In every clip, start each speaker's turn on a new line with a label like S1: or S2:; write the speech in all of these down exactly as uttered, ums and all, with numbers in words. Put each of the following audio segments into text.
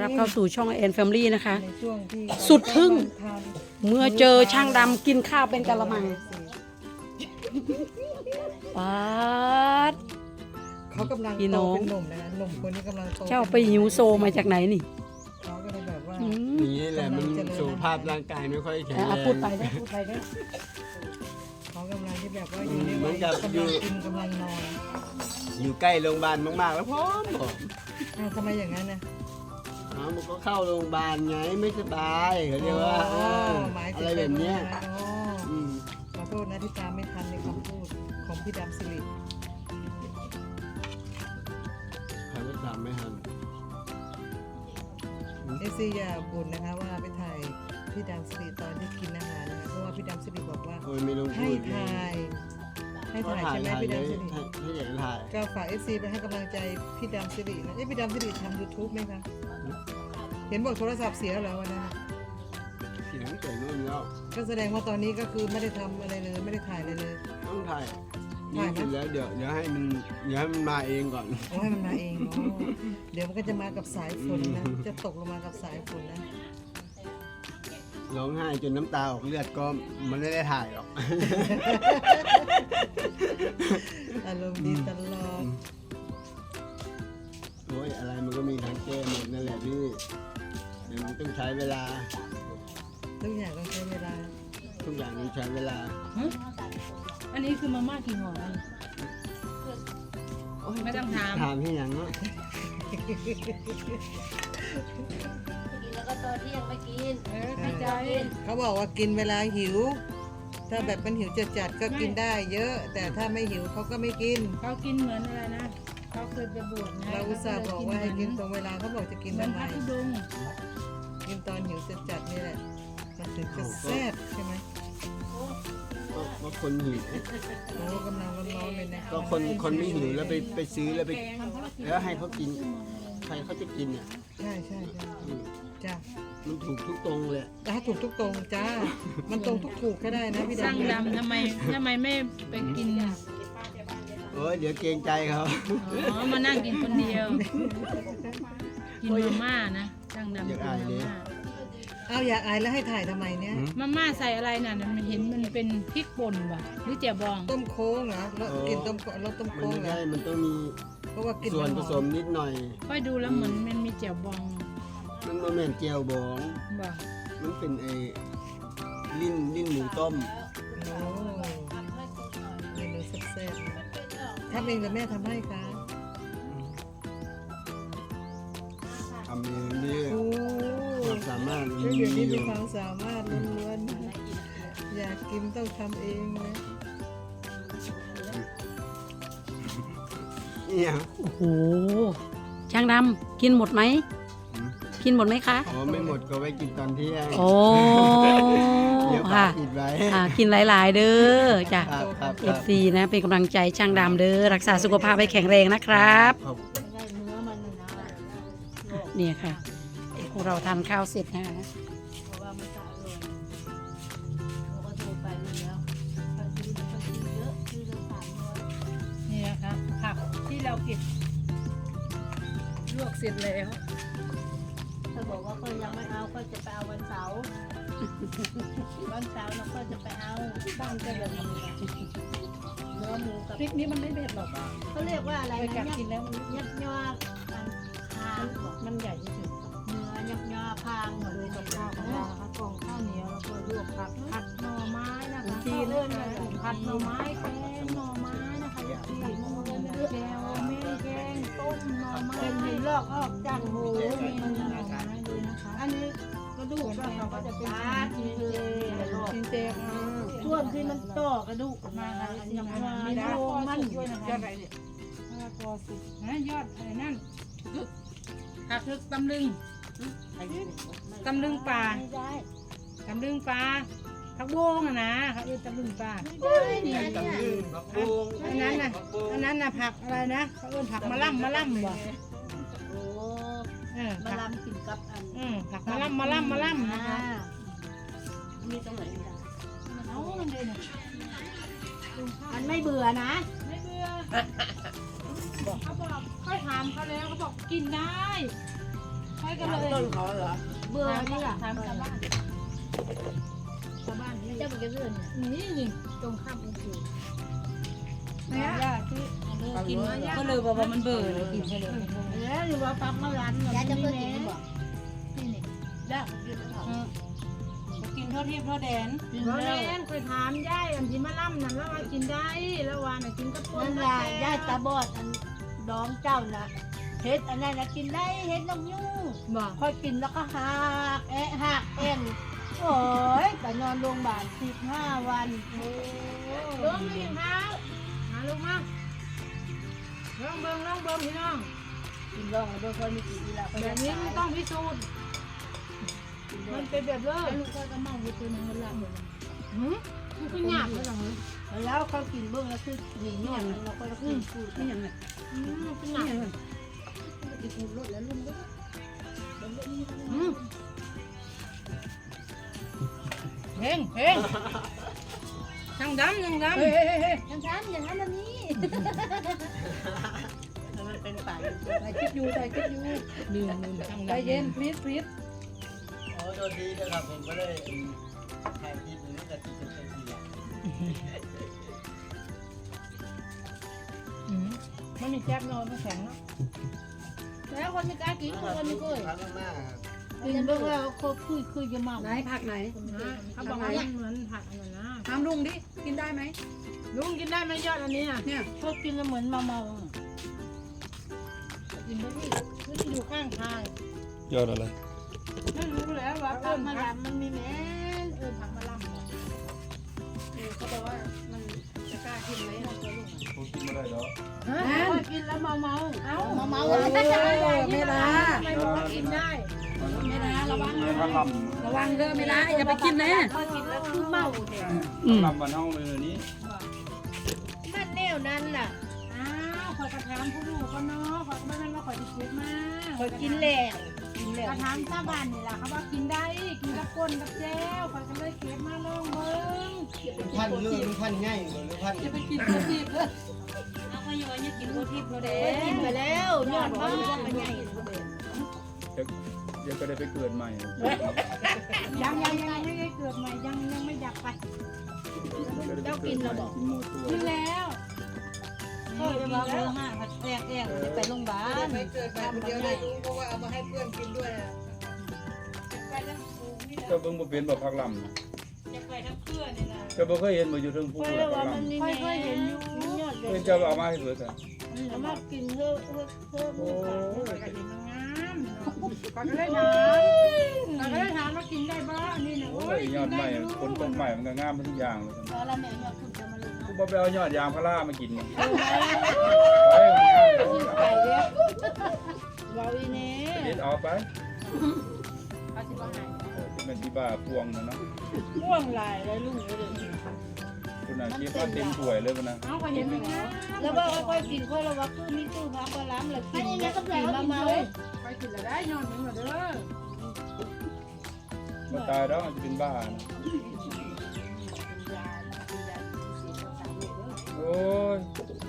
S1: รับเข้าสู่ช่องแอนแฟมิลี่นะคะ
S2: ในช่วงที่
S1: สุดทึ่ง
S2: ทาน
S1: เมื่อเจอช่างดำกินข้าวเป็นกะละมังป๊าด
S2: เขากำลัง
S1: พี่
S2: โต
S1: น้อง
S2: เป็นหนุ่มนะหนุ่มคนนี้กำลังโต
S1: เจ้าไปหิวโซมาจากไหนนี่
S2: เขาก็เลยแบบว่า
S1: อืม
S3: อย่างนี้แหละมันสุขภาพร่างกายไม่ค่อยแข็งแร
S1: อ่ะ
S3: ง
S1: พูดไปได้พูดไปได้
S2: เขากำลังที่แบบว่าอยู่ใน
S3: เหมื
S2: วั
S3: อย นกับ
S2: กำ
S3: อยู่
S2: ลังกินกำลังนอน
S3: อยู่ใกล้โรงพยาบาลมากๆแล้วพร้อมผม
S2: อ้าวทำไมอย่างนั้นนะ
S3: อ๋อมันก็เข้าโรงพยาบาลไงไม่สบายเขาเรียกว่าเออ
S2: หมายถึ
S3: อะ
S2: ง
S3: ไรแบบเนี้ย
S2: อ๋อ
S3: อืม
S2: ขอโทษนะที่ตามไม่ทันในคำพูดของพี่ดำสิริ
S3: ใครก็ตามไม่ทัน
S2: เอซีอย่าบ่นนะคะว่าไปถ่ายพี่ดำสิริตอนที่กินอาหารนะคะเพราะว่าพี่ดำสิริบอกว่า
S3: โอ้ยไม่ต้อง
S2: ให้
S3: พูดเลย
S2: ถ่ายให้
S3: ก็
S2: ถ่าย
S3: ถ่าย
S2: ใช่ไหม
S3: ถ่าย
S2: พี่
S3: เลย
S2: ดำสิริ
S3: ให้ให้ใหญ่ถ่าย
S2: ก็ฝากเอฟซีไปให้กำลังใจพี่ดำสิรินะเอ้ยพี่ดำสิริทำยูทูบไหมคะเห็นบอกโทรศัพท์เสียแล้ววันนั้นน่ะ
S3: เสียงเสียงนู่นแล้ว
S2: ก็แสดงว่าตอนนี้ก็คือไม่ได้ทำอะไรเลยไม่ได้ถ่ายอะไรเลย
S3: ต้องถ่าย
S2: ถ่า
S3: นี่
S2: ยไหม
S3: เสร็จแล้วเดี๋ยวเดี๋ยวให้มันเดี๋ยวให้มันมาเองก่อน
S2: โอ้ให้มันมาเองเนาะเดี๋ยวมันก็จะมากับสายฝนนะจะตกลงมากับสายฝนนะ
S3: ร้องไห้จนน้ำตาออกเลือดก็มันไม่ได้ถ่ายหรอก
S2: อารมณ์ดีตลอด
S3: โอ้ยอะไรมันก็มีทางแก้หมดนั่นแหละพี่เดี๋ยวมันต้องใช้เวลา
S2: ทุกอย่างต้องใช้เวลา
S3: ทุกอย่างต้องใช้เวลา
S4: ฮะอันนี้คือมาม่ากี่ห่อนะ
S3: โอ้ย
S4: ไม่ต้องถาม
S3: ถามที่อย่างเนาะ
S5: แล้วก็ตอนเที่ยงไม่กิน
S4: เออเข้าใจ
S2: เขาบอกว่ากินเวลาหิว ถ้าแบบมันหิวจัดๆก็กินได้เยอะ แต่ถ้าไม่หิวเขาก็ไม่กิน
S4: เขากินเหมือนอะไรนะเขาเคยไปบวชไง
S2: เราอุตส่าห์บอกว่าให้กินตรงเวลาเขาบอกจะกิน
S4: เหมือน
S2: ทำไม
S4: พระธุดงค์
S2: กินตอนหิวจัดๆนี่แหละมันถึงจะแซ่บใช่ไหม
S3: ก็ก็คนหิว
S2: โอ้กำลังร้อนๆเลยนะ
S3: ก็คนคนไม่หิวแล้วไปไปซื้อแล้วไปแล้วให้เขากินใครเขาจะกินอ่ะ
S2: ใช่ใช่ใช่
S3: อืม
S2: จ้า
S3: มันถูกทุกตรงเลย
S2: ถ้าถูกทุกตรงจ้า มันตรงทุกถูกก็ได้นะพี่
S4: ช่าง
S2: ดำ
S4: ดำทำไมทำไมไม่ไปกิน
S3: โอ้ยเดี๋ยวเกรงใจเขา
S4: อ๋อมานั่งกินคนเดียว กินมาม่านะช่างดำกินมาม่า
S2: เอาอยากอายแล้วให้ถ่ายทำไมเนี่ย
S4: มาม่าใส่อะไรน่ะมันเห็นมันเป็นพริกป่นว่ะหรือเจียวบอง
S2: ต้มโค้งเหรอแล้วกินต้มแล้วต้ม
S3: มัน
S2: โค้ง
S3: ไม่
S2: เหรอ
S3: ใช่มันต้องมี
S2: เพราะว่ากิน
S3: ส่วนผ
S2: หอ
S3: สมนิดหน่อย
S4: ค่อยดูแล้วเหมือนมันมีเจียวบอง
S3: มันบ่แม่นเจียวบอง
S4: ว่ะ
S3: มันเป็นไอ้ลิ้นลิ้นหมูต้ม
S2: โอ้เมนูแซ่บๆทำเองหรือแม่ทำให้คะ
S3: ทำเองนี่
S2: โอ้
S3: ความสามารถมัน
S2: เดี๋ยว
S3: มี
S2: นี้
S3: อ
S2: มี
S3: ยู่
S2: ความสามารถล้วนๆอยากกินต้องทำเองนะ
S3: เนี่ย
S1: โอ้โหช่างดำกินหมดไหมกินหมดไหมคะ
S3: อ๋อไม่หมดก็ไว้กินตอนเที่ยง
S1: โอ้
S3: เดี๋ยวฝา
S1: ค่ะ
S3: กปิดไว้
S1: อ่ากินหลาย ๆ เด้อจ้ะ
S3: ครับครับ
S1: เอ
S3: ครั
S1: ฟ
S3: บ
S1: ซีนะเป็นกำลังใจช่างดำเด้อรักษาสุขภาพให้แข็งแรงนะครับ
S3: ขอบ
S5: ได้เนื้อมันนะนะ
S1: เนี่ยค่ะพวกเราทานข้าวเสร็จนะ
S5: เพราะว่ามันสะอาดเลยเราก็ดูไปแล้วไปซื้อไปซื้อเยอะซื้อละสามร้อย
S4: นี่นะคะผักที่เราเก็บลวกเสร็จแล้ว
S5: ถ้าบอกว่าก็ยังไม่เอาก็จะไปเอาวันเสาร์วันเสาร์เราก็จะไปเอาบ้านก็แบบนี้เนื้อหมูกับ
S4: พริกนี้มันไม่เผ็ดหรอก
S5: เขาเรียกว่าอะไร
S4: ไป
S5: นะ
S4: กัดกินแล้วมัน
S5: ยับยับคางของ
S4: มันใหญ่เฉย
S5: เนื้อยับยับคางหมดเลยกับข้าวของเราค่ะกล่องข้าวเหนียวแล้วก็ลวกผักผัดหน่อไม้นะคะจีนเลยนะผัดหน่อไม้แกงหน่อไม้นะคะยาจีนแกงแม่แกงต้มหน่อไม้เป็นหินลอกออกจากหู
S4: เม
S5: เม
S4: นู
S5: นู
S4: หน่อไม้ด้วยนะคะ
S5: อันนี้กระดูกเราก็จะเป็นจีนเจลอก
S4: จินเจค่ะ
S5: ช่วงที่มันต่อกระดูกมาค่ะยัง
S4: มี
S5: มา
S4: ดาว
S5: โย
S4: คอ
S5: มัน
S4: สุกด้วยนะคะยอดอะไรเนี่ยมะละกอสุกนะยอดอะไรนั่นผักทึกตำลึงตำลึงปลา
S5: ไม่ได้
S4: ตำลึงปลาผักบงอะนะเขาเรียกตำลึงปลา
S5: ไม่ได้เนี่ย
S3: ตำลึงผักบุ้ง
S4: อันนั้นน่ะอันนั้นน่ะผักอะไรนะเขาเรียกผักมะล่ำมะล่ำบ่
S5: โอ้
S4: เออ
S5: มา
S4: ผัก
S5: ลำกินกับอัน
S4: อืมผักมะล่ำมะล่ำมะล่ำนะคะ
S5: มีตรงไหนอีกอ่ะ
S4: เอามันเลยเนี่ย
S5: มันไม่เบื่อนะ
S4: ไม่เบื่อเขาบอกค่อยถามเขาแล้วเขาบอกกินได้เขา
S5: ค่อยก็เลย
S3: ต้นเขาเหรอ
S5: เบื่อนี่ล่ะทำชาวบ้านชาวบ้านนี่เจ้ามันจะเลื่อนนี่นี่ตรงข้ามองค์ปู่แม่ย่าที่กินมาย่า
S4: ก็เลยบอกว่ามันเบื่อเลยกินไปเลย
S5: แล้วหรือว่าปักมาร้านย่าจะเพิ่งกินบ่นี่นี่ย่า
S4: กินเท่าที่เท่าแดน
S5: กินแล้วแม่เคยถามย่าอันที่มาล่ำนั่นแล้วว่ากินได้แล้วว่าน่ะกินกระปุกนั่นล่ะย่าตาบอดอันดองเจ้าน่ะเฮ็ดอันนั้นน่ะกินได้เฮ็ดนกยูงบ่ค่อยกินแล้วก็หักแอะหักเอ็นโอ้ยแต่นอนโรงพยาบาลสิบห้าวันโอ้ลงมีเท้าหาลงมาลองเบิ่งลองเบิ่งพี่น้องกินลองแล้วเบิ่งคนมีกี่ทีละแบบนี้มันต้องพิสูจน์มันเป็นแบบเลยลูกก็เมาไปตัวนึงมันละหมดหืมมันก็หยาบเลยหรอแล้วเขากินเบิ่งแล้วคือหนีหยาบแล้วก็คือพูด
S1: นี่ยังไง
S5: อืมเป็นหยาบเลยกินหูรถแล้วลุงก็อืม
S4: เพ่งเพ่งยังดำยังดำ
S5: เฮ้ยเฮ้ยเฮ้ยยังทำอย่างนั้นแบบนี้
S3: มันเป็นป่า
S5: ถ่ายคลิปอยู่ถ่ายคลิปอยู่
S4: ลืมลืมยัง
S5: ใจ
S4: ดำ
S5: เย็นพลิดพลิด
S3: โอ้โดนดีนะครับผมก็เลยถ่ายคลิปนี้แต่ติดเป็นทีละ
S5: มันมีแจ๊บนอนมันแข็งเนาะแล้วคนไม่กล้ากินคนไม่เคย
S3: พักมาก
S5: กินเบิ่งแล้วเขาคุยคุยจะเมา
S1: ไหนผักไหน
S5: เขาบอกว่ามันเหมือนผักอันนั้นนะ
S1: ถามลุงดิกินได้ไหม
S5: ลุงกินได้ไหมยอดอันนี้อ่ะ
S1: เนี่ย
S5: พวกกินแล้วเหมือนเมาเมากินไปที่คือที่อยู่ข้างทาง
S6: ยอดอะไร
S5: ไม่รู้แล้วว่าผักมะลำมันมีแม่เออผักมะลำ
S1: เขาบอกว่ามันจะกล้ากินไหม
S6: ผมกินไม่ได้หรอ
S5: ฮะกินแล้วเมาเมาเอ้าเมาเมา
S1: โอ้ยไม่ละ
S5: ทำไมบอกว่ากินได้
S1: ไม่ละระวัง
S6: เงินพระล
S1: ระวังเด้อไม่ละอย่าไปกินนะ
S5: พอกินแล้วคือเมาเนี่ย
S6: ำลำวันเฮาเลยนี้
S5: มันแนวนั้นล่ะอ้าวขอยกระถามผู้ลูกก็เนาะขอยไม่แม่นว่าขอยจะเก็บมาขอยกินแล้วกินแล้วกระถามชาวบ้านนี่ล่ะเขาว่ากินได้กินกับก้นกับแจ้วขอยก็เลยเก็บมาลองเบิ่ง
S3: พันเรื่องพันง่ายหรือพัน
S1: อย่าไปกินตัวทิพย์เลย
S4: เอาไปย้อนอย่ากินโรตีเราเด้
S5: กินไปแล้วยอดมากเป็นไง
S6: เดี๋ยวก็ได้ไปเกิดใหม่
S5: ยังยังยังไม่ได้เกิดใหม่ยังยังไม่อยากไป เจ้ากินแล้วบอก
S6: กินหมดตัว
S5: กินแล้ว
S4: ก็จะมาเรื่องห้าผัดแอกแอกจะไปโรงพยาบาล
S2: ไม่เกิดมาคนเดียวได้รู้เพราะว่าเอามาให้เพื่อนกินด้วยอะ
S6: เจ้าเบิ่งบ่เป็นบ่พักลำนะ
S4: จะไปทั้งเพื่อนนี่นะ
S6: เจ้าบ่เคยเห็นบ่อยู่เทิงภู
S5: ค่อย
S6: พัก
S5: ว่า
S6: ล
S5: มันมีค่อยๆเห็นอยู่ยอดเล
S6: ำเพิ่
S5: ย
S6: นเจ้าเอามาให้เบิดอ่ะ
S5: เอามากินเพิ่มเพิ่มเพิ่ม
S6: โอ้ย
S5: ก็เห็นมันงามก็เลยถามก็เลยถามว่ากินได้บ้างนี่นะ
S6: โอ้ยยอดใหม่คนตกใหม่มันก็งามทุกอย่างเลย
S5: พอละแม่ยอดคุณจะมาลง
S6: กูบ่ไปเอายอดยางพารามากินมันไปมันงาม
S5: ไปเด้อเราอีเน่
S6: เด็ดเอาไป
S5: เขาสิบ่หาย
S6: เป็นแม่ที่บ้าพวงนะเนาะ
S5: ม่วงลายเลยลุงเลย
S6: คุณน่ะเก็บมาเต็มถ้วยเลยพุ่นน่ะ
S5: เอาก็เห็นมันงามแล้วว่าค่อยกินค่อยระวังคือมีตู้พักก็ล้ำแล้วกินแล้วก็กินมาเมาค่อยกินแล้วได้ยอดมันเด้อ
S6: บ่ตายดอกจะเป็นบ้านะโอ้ย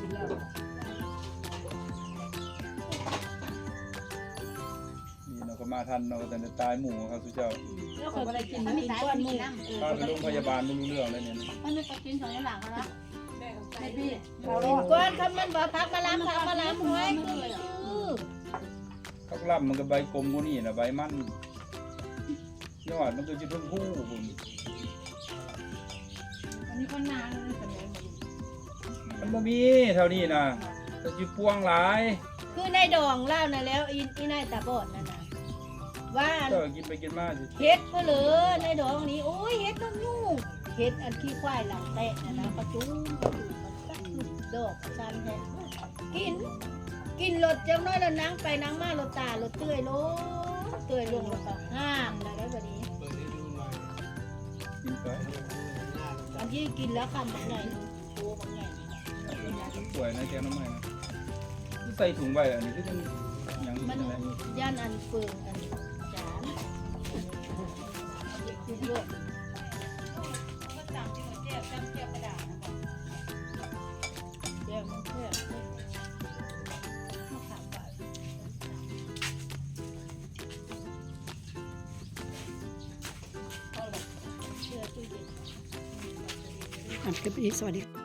S6: นี่เราก็มาทันเราแต่จะตายหมู่ครับทุกเจ้า
S5: แล้วเขาได้กินมีก้อนหมู
S6: พาไปโรงพยาบาลไม่รู้เรื่องเลยเนี่ย
S5: มันไม่ไปกินสองอย่างหลังแล้ว
S1: ไอพี่
S5: กินก้อนคำมันบอกพักมาล้ำพักมาล้ำไว้คือคือ
S6: พักลำมันก็ใบกลมกว่านี่นะใบมันยอดมันก็จะทุ่มผู้ผม
S5: อันนี้คนนานเลยสัญญาณ
S6: มันบ่มีเท่านี้นะจะจิพวงหลาย
S5: คือในดองเล่านะแล้วอีอีนายตาบอดนั่นนะว่า
S6: ก็กินไปกินมาสิ
S5: เฮ็ดก็เลยในดองนี้โอ้ยเฮ็ดน้ำยุ่งเฮ็ดอันขี้ควายหลังแตะนะนะประจุประจุประจุดอกชันแท้กิน กินรถจังน้อยแล้วนั่งไปนั่งมารถตารถเตื้อยลงเตื้อยลงแล้วก็ห้ามได้แล้วแบบนี้
S3: เปิดให้ดูหน่อย
S6: กินไป
S5: อันที่กินแล้วคำบางไงโตบางไง
S6: สวยนะแกงน้ำมันนะใส่ถุงใบอันนี้ก็จะยัง
S5: มัน
S6: อะไร
S5: ย่านอันเฟืองอันจานคือเยอะ
S4: ก็จำที่หัวเจ็บจำเจ็บกระดาษนะ
S5: เดี๋ยวมันเพื่อนมะขามหวาน
S1: อ่ะคลิปนี้สวัสดี